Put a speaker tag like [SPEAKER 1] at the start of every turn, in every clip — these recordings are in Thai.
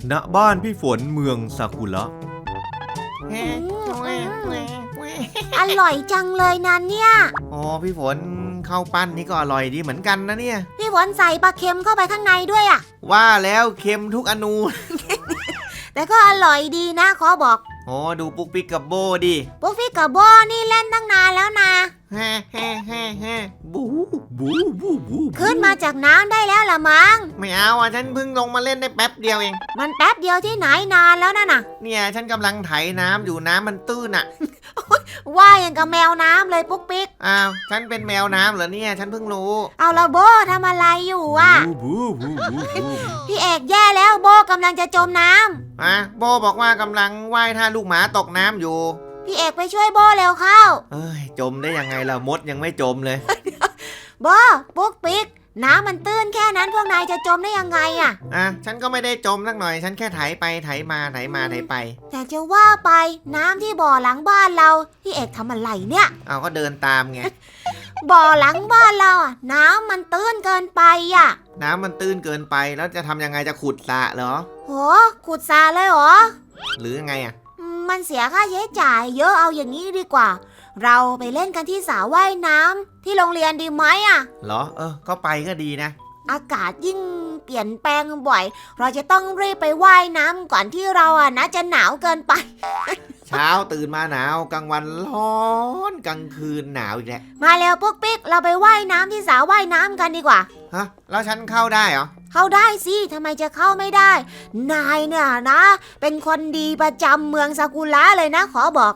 [SPEAKER 1] ณบ้านพี่ฝนเมืองซากุระ
[SPEAKER 2] อร่อยจังเลยนะเนี่ย
[SPEAKER 1] อ๋อพี่ฝนข้าวปั้นนี่ก็อร่อยดีเหมือนกันนะเนี่ย
[SPEAKER 2] พี่ฝนใส่ปลาเค็มเข้าไปข้างในด้วยอ่ะ
[SPEAKER 1] ว่าแล้วเค็มทุกอนู
[SPEAKER 2] แต่ก็อร่อยดีนะขอบอก
[SPEAKER 1] อ๋อดูปุ๊กปิ๊กกับโบดิ
[SPEAKER 2] ปุ๊กฟิกกับโบนี่เล่นตั้งนานแล้วนะ
[SPEAKER 1] แฮ่แฮ่แฮ่แฮ่บูบูบูบู
[SPEAKER 2] ขึ้นมาจากน้ำได้แล้วล่ะมั้ง
[SPEAKER 1] ไม่เอาอ่ะฉันเพิ่งลงมาเล่นได้แป๊บเดียวเอง
[SPEAKER 2] มันแป๊บเดียวที่ไหนนานแล้วน่ะ
[SPEAKER 1] เนี่ยฉันกำลังไถน้ำอยู่น้ำมันตื้นอ่ะ
[SPEAKER 2] ว่าอย่างกับแมวน้ำเลยปุ๊กปิ๊ก
[SPEAKER 1] อ้าวฉันเป็นแมวน้ำเหรอเนี่ยฉันเพิ่งรู้
[SPEAKER 2] เอาละโบทำอะไรอยู่อ่ะ
[SPEAKER 1] บูบูบูบู
[SPEAKER 2] พี่เอกแย่แล้วโบกำลังจะจมน้ำ
[SPEAKER 1] อ่ะโบบอกว่ากำลังว่ายท่าลูกหมาตกน้ำอยู่
[SPEAKER 2] พี่เอกไปช่วยโบเร็วเข้า
[SPEAKER 1] เอ้ยจมได้ยังไงล่ะมดยังไม่จมเลย
[SPEAKER 2] โบปุ๊กปิ๊กน้ำมันตื้นแค่นั้นพวกนายจะจมได้ยังไงอ่ะ
[SPEAKER 1] อ่ะฉันก็ไม่ได้จมสักหน่อยฉันแค่ไถไปไถมาไถมาไถไป
[SPEAKER 2] แต่จะว่าไปน้ำที่บ่อหลังบ้านเราพี่เอกทำอะไรเนี่ย
[SPEAKER 1] เอาก็เดินตามไง
[SPEAKER 2] บ่อหลังบ้านเราอ่ะน้ำมันตื้นเกินไปอ่ะ
[SPEAKER 1] น้ำมันตื้นเกินไปแล้วจะทำยังไงจะขุดสระเหรอ
[SPEAKER 2] โหขุดสระเลยเหรอ
[SPEAKER 1] หรือยังไงอ่ะ
[SPEAKER 2] มันเสียค่าใช้จ่ายเยอะเอาอย่างนี้ดีกว่า เราไปเล่นกันที่สระว่ายน้ำที่โรงเรียนดีไหมอ่ะ
[SPEAKER 1] เหรอก็ไปก็ดีนะ
[SPEAKER 2] อากาศยิ่งเปลี่ยนแปลงบ่อย เราจะต้องรีบไปว่ายน้ำก่อนที่เราอ่ะนะจะหนาวเกินไป
[SPEAKER 1] เช้าตื่นมาหนาวกลางวันร้อนกลางคืนหนาวอีกแล้ว
[SPEAKER 2] มาแล้วปุ๊กปิ๊กเราไปว่ายน้ำที่สระว่ายน้ำกันดีกว่า
[SPEAKER 1] ฮะแล้วฉันเข้าได้เหรอ
[SPEAKER 2] เข้าได้สิทำไมจะเข้าไม่ได้ นายเนี่ยนะ เป็นคนดีประจำเมืองซากุระเลยนะขอบอก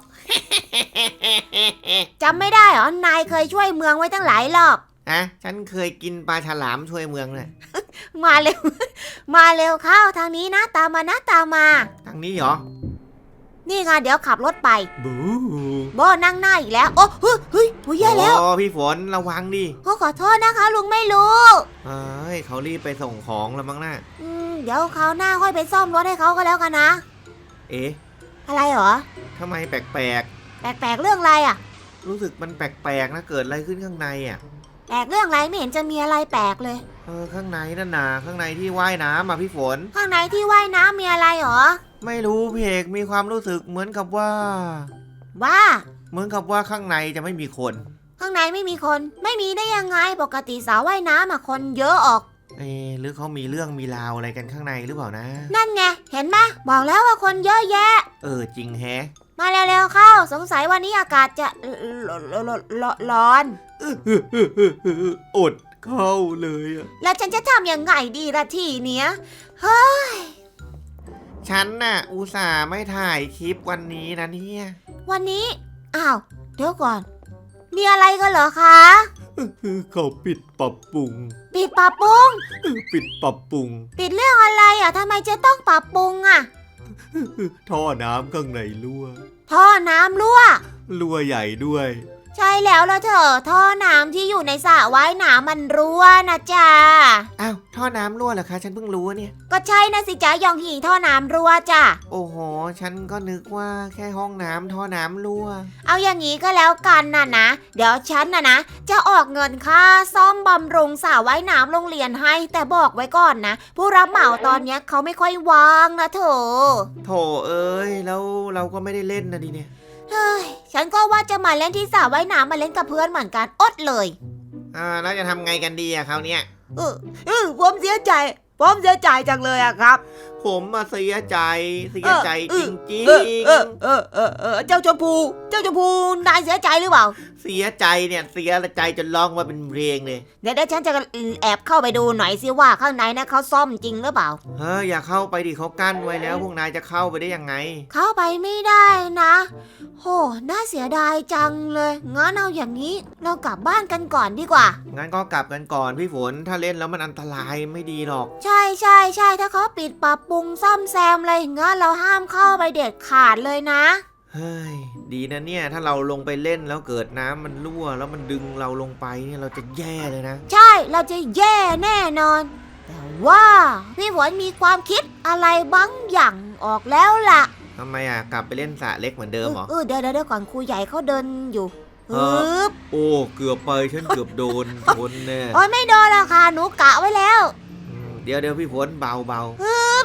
[SPEAKER 2] จำไม่ได้เหรอนายเคยช่วยเมืองไว้ตั้งหลายรอบ
[SPEAKER 1] ฉันเคยกินปลาฉลามช่วยเมืองเลย
[SPEAKER 2] มาเร็ว มาเร็วเข้าทางนี้นะตามมานะตามมา
[SPEAKER 1] ทางนี้เหรอ
[SPEAKER 2] นี่ไงเดี๋ยวขับรถไป
[SPEAKER 1] บู
[SPEAKER 2] โบนั่งหน้าอีกแล้วโอ้เฮ้ยเฮ้ยโอ้ยแย่แล้ว
[SPEAKER 1] โอ้พี่ฝนระวังดิ
[SPEAKER 2] ขอโทษนะคะลุงไม่รู้
[SPEAKER 1] เอ้ยเขารีบไปส่งของแล้วมั้งน่ะ
[SPEAKER 2] เดี๋ยวคราวหน้าค่อยไปซ่อมรถให้เขาก็แล้วกันนะ
[SPEAKER 1] เอ๊ะ
[SPEAKER 2] อะไรเหรอ
[SPEAKER 1] ทำไมแปลก
[SPEAKER 2] แปลกๆเรื่องอะไรอ่ะ
[SPEAKER 1] ๆรู้สึกมันแปลกๆนะเกิดอะไรขึ้นข้างในอ่ะ
[SPEAKER 2] แปลกเรื่องอะไรไม่เห็นจะมีอะไรแปลกเลย
[SPEAKER 1] ข้างในนั่นน่ะข้างในที่ว่ายน้ำอ่ะพี่ฝน
[SPEAKER 2] ข้างในที่ว่ายน้ำมีอะไรเหรอ
[SPEAKER 1] ไม่รู้พี่เอกมีความรู้สึกเหมือนกับว่า
[SPEAKER 2] ว่า
[SPEAKER 1] เหมือนกับว่าข้างในจะไม่มีคน
[SPEAKER 2] ข้างในไม่มีคนไม่มีได้ยังไงปกติสระว่ายน้ำอะคนเยอะออก
[SPEAKER 1] หรือเขามีเรื่องมีราวอะไรกันข้างในหรือเปล่านะ
[SPEAKER 2] นั่นไงเห็นไหมบอกแล้วว่าคนเยอะแยะ
[SPEAKER 1] จริงแฮะ
[SPEAKER 2] มาเร็วๆเข้าสงสัยวันนี้อากาศจะร้อน
[SPEAKER 1] อดเข้าเลยอ่ะ
[SPEAKER 2] แล้วฉันจะทำยังไงดีละทีเนี้ยเฮ้ย
[SPEAKER 1] ฉันน่ะอุตส่าห์ไม่ถ่ายคลิปวันนี้นะเนี่ย
[SPEAKER 2] วันนี้อ้าวเดี๋ยวก่อน มีอะไรกันเหรอคะ
[SPEAKER 1] เขาปิดปรับปรุง
[SPEAKER 2] ปิดปรับปรุง
[SPEAKER 1] ปิดปรับปรุง
[SPEAKER 2] ปิดเรื่องอะไรอ่ะทำไมจะต้องปรับปรุงอ่ะ
[SPEAKER 1] ท่อน้ำข้างในรั่ว
[SPEAKER 2] ท่อน้ำรั่ว
[SPEAKER 1] รั่วใหญ่ด้วย
[SPEAKER 2] ใช่แล้วล่ะเธอท่อน้ำที่อยู่ในสระว่ายน้ำมันรั่วนะจ๊ะ
[SPEAKER 1] อ้าวท่อน้ำรั่วเหรอคะฉันเพิ่งรู้เนี่ย
[SPEAKER 2] ก็ใช่นะสิจ๊ะยองหีท่อน้ำรั่วจ้ะ
[SPEAKER 1] โอ้โหฉันก็นึกว่าแค่ห้องน้ำท่อน้ำรั่ว
[SPEAKER 2] เอาอย่างนี้ก็แล้วกันนะเดี๋ยวฉันนะจะออกเงินค่าซ่อมบำรุงสระว่ายน้ำโรงเรียนให้แต่บอกไว้ก่อนนะผู้รับเหมาตอนเนี้ยเขาไม่ค่อยว่างนะเธอ
[SPEAKER 1] โถเอ้ยแล้วเราก็ไม่ได้เล่นนะดิเนี่ย
[SPEAKER 2] เฮ้ยฉันก็ว่าจะมาเล่นที่สระว่ายน้ำมาเล่นกับเพื่อนเหมือนกันอดเลย
[SPEAKER 1] แล้วจะทำไงกันดีอะคราวเนี้ย
[SPEAKER 2] ผมเสียใจจังเลยอะครับ
[SPEAKER 1] ผมมาเสียใจจริง
[SPEAKER 2] เจ้าชมพูนายเสียใจหรือเปล่า
[SPEAKER 1] ๆเสียใจเนี่ยเสียใจจนร้องมาเป็นเพลงเลย
[SPEAKER 2] เดี๋ยวฉันจะแอบเข้าไปดูหน่อยสิว่าข้างในนะเขาซ่อมจริงหรือเปล่า
[SPEAKER 1] อย่าเข้าไปดิเขากั้นไว้แล้วพวกนายจะเข้าไปได้ยังไง
[SPEAKER 2] เข้าไปไม่ได้นะโหน่าเสียดายจังเลยงั้นเอาอย่างนี้เรากลับบ้านกันก่อนดีกว่า
[SPEAKER 1] งั้นก็กลับกันก่อนพี่ฝนถ้าเล่นแล้วมันอันตรายไม่ดีหรอก
[SPEAKER 2] ใช่ถ้าเขาปิดปรับปรุงซ่อมแซมอะไรงั้นเราห้ามเข้าไปเด็ดขาดเลยนะ
[SPEAKER 1] เฮ้ยดีนะเนี่ยถ้าเราลงไปเล่นแล้วเกิดน้ำมันรั่วแล้วมันดึงเราลงไปเนี่ยเราจะแย่เลยนะ
[SPEAKER 2] ใช่เราจะแย่แน่นอน แต่ว่าพี่ฝนมีความคิดอะไรบางอย่างออกแล้วล่ะ
[SPEAKER 1] ทำไมกลับไปเล่นสระเล็กเหมือนเดิมเหรอ
[SPEAKER 2] เดี๋ยวก่อนครูใหญ่เขาเดินอยู่
[SPEAKER 1] โอ้เกือบไปฉันเกือบโดนชนแน่
[SPEAKER 2] โอ้ยไม่โดนหรอกค่ะหนูกะไว้แล้ว
[SPEAKER 1] เดี๋ยวพี่ฝนเบา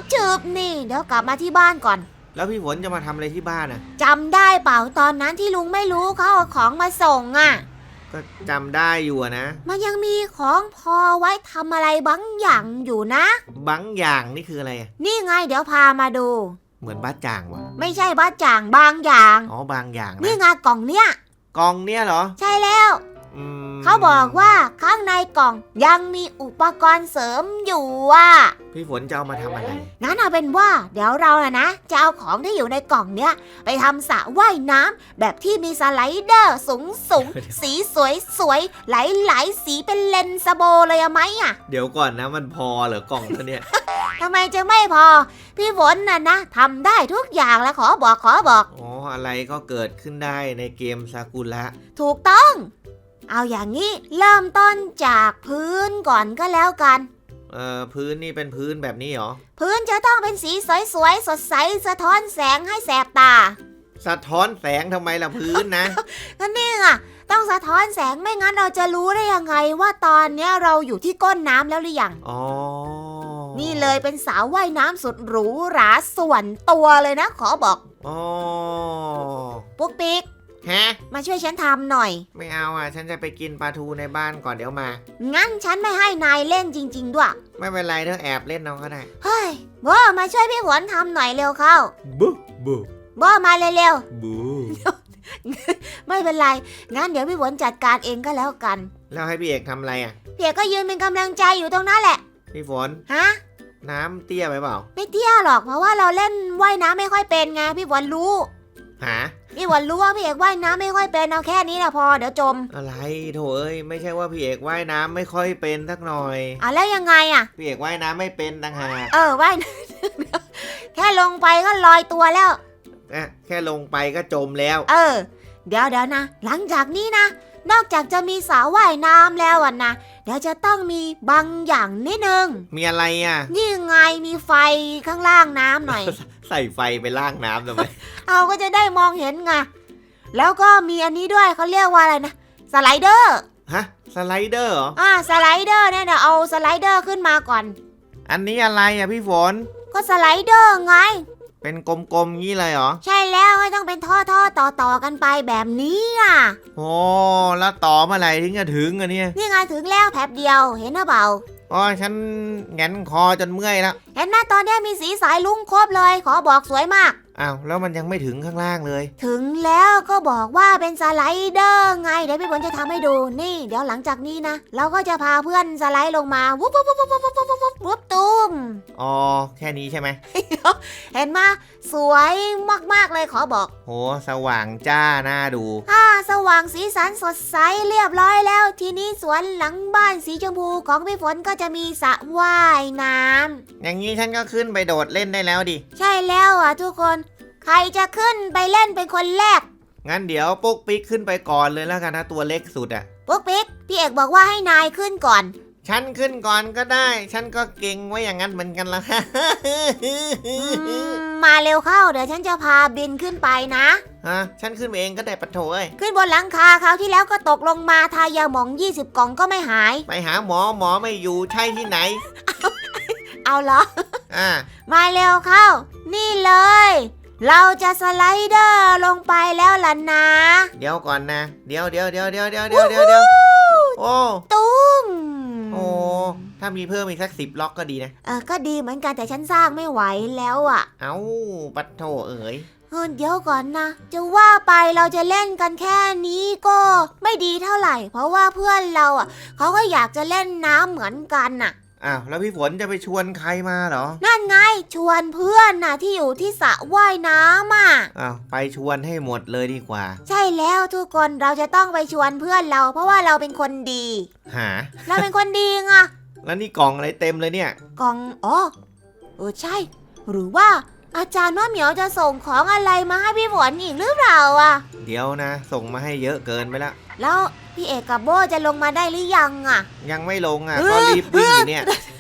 [SPEAKER 2] ชืบนี่เดี๋ยวกลับมาที่บ้านก่อน
[SPEAKER 1] แล้วพี่ฝนจะมาทำอะไรที่บ้านอ่ะ
[SPEAKER 2] จำได้เปล่าตอนนั้นที่ลุงไม่รู้เขาเอาของมาส่งอ่ะ
[SPEAKER 1] ก็จำได้อยู่อะนะ
[SPEAKER 2] มันยังมีของพอไว้ทำอะไรบางอย่างอยู่นะ
[SPEAKER 1] บางอย่างนี่คืออะไรอะ
[SPEAKER 2] นี่ไงเดี๋ยวพามาดู
[SPEAKER 1] เหมือนบ้าจ่างวะ
[SPEAKER 2] ไม่ใช่บ้าจ่างบางอย่าง
[SPEAKER 1] อ๋อบางอย่าง
[SPEAKER 2] นี่
[SPEAKER 1] นะ
[SPEAKER 2] ไงกล่องเนี้ย
[SPEAKER 1] กองเนี่ยเหรอ
[SPEAKER 2] ใช่แล้ว
[SPEAKER 1] อืม
[SPEAKER 2] เขาบอกว่าข้างในกล่องยังมีอุปกรณ์เสริมอยู่อ่ะ
[SPEAKER 1] พี่ฝนจะเอามาทำอะไร
[SPEAKER 2] งั้นเอาเป็นว่าเดี๋ยวเรานะจะเอาของที่อยู่ในกล่องเนี้ยไปทำสระว่ายน้ำแบบที่มีสไลเดอร์สูง สีสวยหลายสีเป็นเลนสโบเลยอะไหมอะ
[SPEAKER 1] เดี๋ยวก่อนนะมันพอเหรอกล่องตัวเนี้ย
[SPEAKER 2] ทำไมจะไม่พอ พี่ฝนนะทำได้ทุกอย่างแล้วขอบอก
[SPEAKER 1] อ๋ออะไรก็เกิดขึ้นได้ในเกมซากุระ
[SPEAKER 2] ถูกต้อง เอาอย่างนี้เริ่มต้นจากพื้นก่อนก็แล้วกัน
[SPEAKER 1] พื้นนี่เป็นพื้นแบบนี้เหรอ
[SPEAKER 2] พื้นจะต้องเป็นสีสวยสดใสสะท้อนแสงให้แสบตา
[SPEAKER 1] สะท้อนแสงทำไมล่ะพื้นนะ
[SPEAKER 2] ก็นี่ไงต้องสะท้อนแสงไม่งั้นเราจะรู้ได้ยังไงว่าตอนเนี้ยเราอยู่ที่ก้นน้ำแล้วหรือยัง
[SPEAKER 1] อ๋อ
[SPEAKER 2] นี่เลยเป็นสาวว่ายน้ำสุดหรูหราส่วนตัวเลยนะขอบอก
[SPEAKER 1] อ๋อ
[SPEAKER 2] ปุ๊กปิ๊ก
[SPEAKER 1] ฮะ
[SPEAKER 2] มาช่วยฉันทำหน่อย
[SPEAKER 1] ไม่เอาอ่ะ ฉันจะไปกินปลาทูในบ้านก่อนเดี๋ยวมา
[SPEAKER 2] งั้นฉันไม่ให้นายเล่นจริง ๆ ด้วย
[SPEAKER 1] ไม่เป็นไรเธอแอบเล่นน้องก็ได้
[SPEAKER 2] เฮ้ยโบมาช่วยพี่ฝนทำหน่อยเร็วเข้า
[SPEAKER 1] บูบู
[SPEAKER 2] โบมาเร็ว
[SPEAKER 1] บู
[SPEAKER 2] ๆไม่เป็นไรงั้นเดี๋ยวพี่ฝนจัดการเองก็แล้วกัน
[SPEAKER 1] แล้วให้พี่เอกทำอะไรอ่ะ
[SPEAKER 2] พี่เอกก็ยืนเป็นกำลังใจอยู่ตรงนั้นแหละ
[SPEAKER 1] พี่ฝน
[SPEAKER 2] ฮะ
[SPEAKER 1] น้ำเตี้ยไปเปล่า
[SPEAKER 2] ไม่เตี้ยหรอกเพราะว่าเราเล่นว่ายน้ำไม่ค่อยเป็นไงพี่ฝนรู้
[SPEAKER 1] หา
[SPEAKER 2] พี่ฝนรู้ว่าพี่เอกว่ายน้ำไม่ค่อยเป็นเอาแค่นี้นะพอเดี๋ยวจม
[SPEAKER 1] อะไรโถเอ้ยไม่ใช่ว่าพี่เอกว่ายน้ำไม่ค่อยเป็นสักหน่อย
[SPEAKER 2] แล้วยังไงอะ
[SPEAKER 1] พี่เอกว่ายน้ำไม่เป็นต่างหาก
[SPEAKER 2] ว่าย แค่ลงไปก็ลอยตัวแล้ว
[SPEAKER 1] แค่ลงไปก็จมแล้ว
[SPEAKER 2] เดี๋ยวนะ หลังจากนี้นะ นอกจากจะมีสระว่ายน้ำแล้วนะเดี๋ยวจะต้องมีบางอย่างนิดนึง
[SPEAKER 1] มีอะไรอ่ะ
[SPEAKER 2] นี่ไงมีไฟข้างล่างน้ำหน่อย
[SPEAKER 1] ใส่ไฟไปล่างน้ำทำไม
[SPEAKER 2] เอาก็จะได้มองเห็นไงแล้วก็มีอันนี้ด้วยเขาเรียกว่าอะไรนะสไลเดอร์
[SPEAKER 1] ฮะสไลเดอร์เหรอ
[SPEAKER 2] สไลเดอร์เนี่ยเดี๋ยวเอาสไลเดอร์ขึ้นมาก่อน
[SPEAKER 1] อันนี้อะไรอ่ะพี่ฝน
[SPEAKER 2] ก็สไลเดอร์ไง
[SPEAKER 1] เป็นกลมๆงี้เลยเหรอ
[SPEAKER 2] ใช่แล้วให้ต้องเป็นท่อต่อกันไปแบบนี้อ่ะ
[SPEAKER 1] โอ้แล้วต่อเมื่อไหร่ถึงจะถึงอะเนี่ย
[SPEAKER 2] นี่ไงถึงแล้วแป๊บเดียวเห็นหรือเปล่า
[SPEAKER 1] อ๋อฉันแงนคอจนเมื่อยแล้ว
[SPEAKER 2] เห็นไหมตอนนี้มีสีสายลุ้งครบเลยขอบอกสวยมาก
[SPEAKER 1] อ้าวแล้วมันยังไม่ถึงข้างล่างเลย
[SPEAKER 2] ถึงแล้วก็บอกว่าเป็นสไลเดอร์ไงเดี๋ยวพี่ฝนจะทำให้ดูนี่เดี๋ยวหลังจากนี้นะเราก็จะพาเพื่อนสไลด์ลงมาวุบวุบวุบวุบวุบวุบวุบวุบวุบตุ้ม
[SPEAKER 1] อ๋อแค่นี้ใช่ไหม
[SPEAKER 2] เห็นไหมสวยมากๆเลยขอบอก
[SPEAKER 1] โหสว่างจ้าน่าดู
[SPEAKER 2] สว่างสีสันสดใสเรียบร้อยแล้ว ทีนี้สวนหลังบ้านสีชมพูของพี่ฝนก็จะมีสระว่ายน้ำ
[SPEAKER 1] อย่างนี้ฉันก็ขึ้นไปโดดเล่นได้แล้วดิ
[SPEAKER 2] ใช่แล้วทุกคนใครจะขึ้นไปเล่นเป็นคนแรก
[SPEAKER 1] งั้นเดี๋ยวปุ๊กปิ๊กขึ้นไปก่อนเลยแล้วกันนะตัวเล็กสุดอะ
[SPEAKER 2] ปุ๊กปิ๊กพี่เอกบอกว่าให้นายขึ้นก่อน
[SPEAKER 1] ฉันขึ้นก่อนก็ได้ ฉันก็เก่งไว้อย่างนั้นเหมือนกันละ
[SPEAKER 2] มาเร็วเข้าเดี๋ยวฉันจะพาบินขึ้นไปนะ
[SPEAKER 1] ฉันขึ้นไปเองก็ได้ปะโถเอ้ย
[SPEAKER 2] ขึ้นบนหลังคาคราวที่แล้วก็ตกลงมาทายาหมอง20 กล่องก็ไม่หาย
[SPEAKER 1] ไปหาหมอไม่อยู่ใช่ที่ไหน
[SPEAKER 2] เอาเหรอ
[SPEAKER 1] อ่า
[SPEAKER 2] มาเร็วเข้า นี่เลย เราจะสไลเดอร์ลงไปแล้วล่ะนะ
[SPEAKER 1] เดี๋ยวก่อนนะ เดี๋ยวโอ้
[SPEAKER 2] ตุ้ม
[SPEAKER 1] โอ้ถ้ามีเพิ่มอีกสัก10 ล็อกก็ดีนะ
[SPEAKER 2] ก็ดีเหมือนกันแต่ฉันสร้างไม่ไหวแล้วอ่ะ
[SPEAKER 1] เอ้าปัดโถเอ๋ย
[SPEAKER 2] เดี๋ยวก่อนนะ จะว่าไปเราจะเล่นกันแค่นี้ก็ไม่ดีเท่าไหร่ เพราะว่าเพื่อนเราเขาก็อยากจะเล่นน้ำเหมือนกันน่ะ
[SPEAKER 1] อ้าวแล้วพี่ฝนจะไปชวนใครมาเหรอ
[SPEAKER 2] นั่นไงชวนเพื่อนน่ะที่อยู่ที่สระว่ายน้ำ
[SPEAKER 1] อ้าวไปชวนให้หมดเลยดีกว่า
[SPEAKER 2] ใช่แล้วทุกคนเราจะต้องไปชวนเพื่อนเรา เพราะว่าเราเป็นคนดี
[SPEAKER 1] หา
[SPEAKER 2] เราเป็นคนดีไง
[SPEAKER 1] แล้วนี่กล่องอะไรเต็มเลยเนี่ย
[SPEAKER 2] กล่องใช่ หรือว่าอาจารย์ว่าเหมียวจะส่งของอะไรมาให้พี่ฝนอีกหรือเปล่า
[SPEAKER 1] เดี๋ยวนะ ส่งมาให้เยอะเกินไปละ
[SPEAKER 2] แล้วพี่เอกกับโบจะลงมาได้หรือยัง
[SPEAKER 1] ยังไม่ลงก็รีบวิ่งอยู่เนี่ย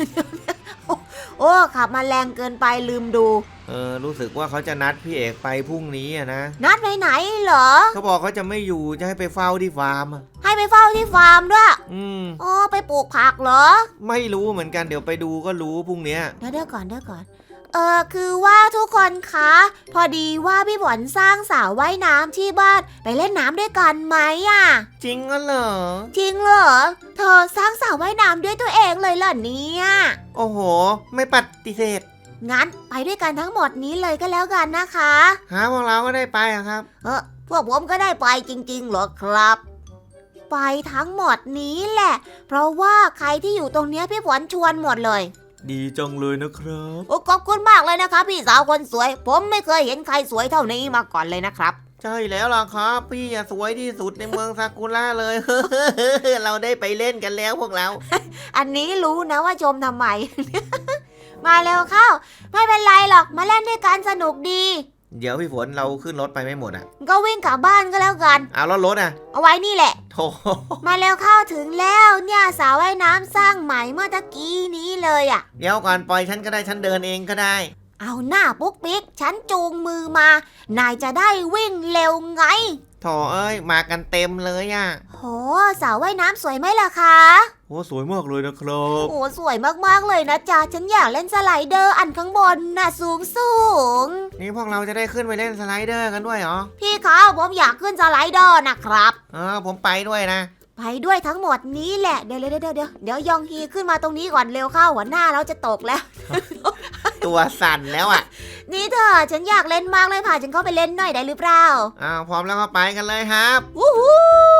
[SPEAKER 2] ขับมาแรงเกินไปลืมดู
[SPEAKER 1] รู้สึกว่าเขาจะนัดพี่เอกไปพรุ่งนี้นะ
[SPEAKER 2] นัดไปไหนเหรอ
[SPEAKER 1] เขาบอกเขาจะไม่อยู่จะให้ไปเฝ้าที่ฟาร์ม
[SPEAKER 2] ให้ไปเฝ้าที่ฟาร์มด้วยไปปลูกผักเหรอ
[SPEAKER 1] ไม่รู้เหมือนกันเดี๋ยวไปดูก็รู้พรุ่งนี้
[SPEAKER 2] เดี๋ยวก่อนคือว่าทุกคนคะพอดีว่าพี่ฝนสร้างสระว่ายน้ำที่บ้านไปเล่นน้ำด้วยกันไหมอ่ะ
[SPEAKER 1] จริงก็เหรอ
[SPEAKER 2] จริงเหรอเธอสร้างสระว่ายน้ำด้วยตัวเองเลยเหรอเนี่ย
[SPEAKER 1] โอ้โห ไม่ปฏิเสธ
[SPEAKER 2] งั้นไปด้วยกันทั้งหมดนี้เลยก็แล้วกันนะคะ
[SPEAKER 1] พวกเราก็ได้ไปอะครับ
[SPEAKER 2] พวกผมก็ได้ไปจริงๆเหรอครับ ไปทั้งหมดนี้แหละ เพราะว่าใครที่อยู่ตรงเนี้ยพี่ฝนชวนหมดเลย
[SPEAKER 1] ดีจังเลยนะครับ
[SPEAKER 2] โอ้ขอบคุณมากเลยนะคะพี่สาวคนสวย ผมไม่เคยเห็นใครสวยเท่านี้มาก่อนเลยนะครับ
[SPEAKER 1] ใช่แล้วล่ะครับ พี่อะสวยที่สุดในเมืองซากุระเลย เราได้ไปเล่นกันแล้วพวกเรา
[SPEAKER 2] อันนี้รู้นะว่าชมทำไม มาเร็วเข้า ไม่เป็นไรหรอกมาเล่นด้วยกันสนุกดี
[SPEAKER 1] เดี๋ยวพี่ฝนเราขึ้นรถไปไม่หมดอะ
[SPEAKER 2] ก็วิ่งกลับบ้านก็แล้วกัน
[SPEAKER 1] เอาแล้วรถอะ
[SPEAKER 2] เอาไว้นี่แหละ
[SPEAKER 1] โถ
[SPEAKER 2] มาเร็วเข้าถึงแล้วเนี่ยสระว่ายน้ำสร้างใหม่เมื่อตะกี้นี้เลยอ่ะ
[SPEAKER 1] เดี๋ยวก่อนปล่อยฉันก็ได้ฉันเดินเองก็ได้
[SPEAKER 2] เอาหน้าปุ๊กปิ๊กฉันจูงมือมา นายจะได้วิ่งเร็วไง
[SPEAKER 1] โถเอ้ยมากันเต็มเลยอะ
[SPEAKER 2] โหสระว่ายน้ำสวยไหมล่ะคะ
[SPEAKER 1] โอ้สวยมากเลยนะครับ
[SPEAKER 2] โอ้สวยมากๆเลยนะจ๊ะฉันอยากเล่นสไลเดอร์อันข้างบนน่ะสูงสูง
[SPEAKER 1] นี่พวกเราจะได้ขึ้นไปเล่นสไลเดอร์กันด้วยเหรอ
[SPEAKER 2] พี่คะผมอยากขึ้นสไลเดอร์นะครับ
[SPEAKER 1] ผมไปด้วยนะ
[SPEAKER 2] ไปด้วยทั้งหมดนี้แหละเดี๋ยวยองฮีขึ้นมาตรงนี้ก่อนเร็วเข้าหัวหน้าเราจะตกแล้ว
[SPEAKER 1] ตัวสั่นแล้วอะ
[SPEAKER 2] นี่เธอฉันอยากเล่นมากเลยพาฉันเข้าไปเล่นหน่อยได้หรือเปล่า
[SPEAKER 1] พร้อมแล้วก็ไปกันเลยครับ
[SPEAKER 2] วู้ฮู้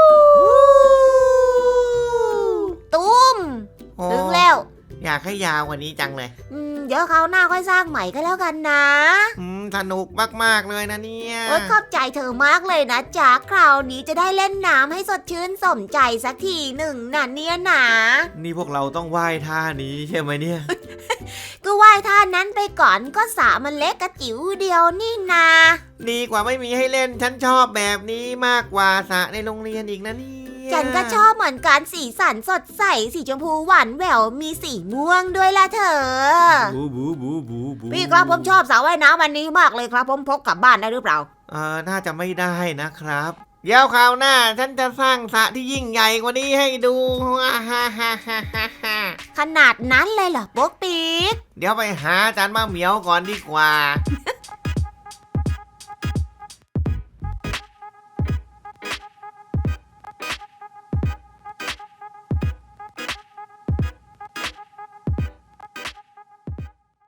[SPEAKER 2] ตุ้ม
[SPEAKER 1] โอ้
[SPEAKER 2] ถึงแล้ว
[SPEAKER 1] อยากให้ยาวกว่านี้จังเลย
[SPEAKER 2] เดี๋ยวคราวหน้าค่อยสร้างใหม่ก็แล้วกันนะ
[SPEAKER 1] สนุกมากๆเลยนะเนี่ย
[SPEAKER 2] โอ๊ยขอบใจเธอมากเลยนะจ๊ะคราวนี้จะได้เล่นน้ำให้สดชื่นสมใจสักทีหนึ่งน่ะเนี่ยนะ
[SPEAKER 1] นี่พวกเราต้องว่ายท่านี้ใช่ไหมเนี่ย
[SPEAKER 2] ก็ว่ายท่านั้นไปก่อนก็สระมันเล็กกระจิ๋วเดียวนี่นา
[SPEAKER 1] ดีกว่าไม่มีให้เล่นฉันชอบแบบนี้มากกว่าสระในโรงเรียนอีกนะเนี่ย
[SPEAKER 2] ฉันก็ชอบเหมือนกันสีสันสดใสสีชมพูหวานแหววมีสีม่วงด้วยล่ะเธอ
[SPEAKER 1] บูบูบูบูบู
[SPEAKER 2] พี่ครับผมชอบสระว่ายน้ำอันนี้มากเลยครับผมพกกลับบ้านได้หรือเปล่า
[SPEAKER 1] น่าจะไม่ได้นะครับเดี๋ยวคราวหน้าฉันจะสร้างสระที่ยิ่งใหญ่กว่านี้ให้ดูฮ่าฮ่าฮ่าฮ่าฮ่า
[SPEAKER 2] ขนาดนั้นเลยเหรอปุ๊กปิ๊ก
[SPEAKER 1] เดี๋ยวไปหาอาจารย์มะเหมียวก่อนดีกว่า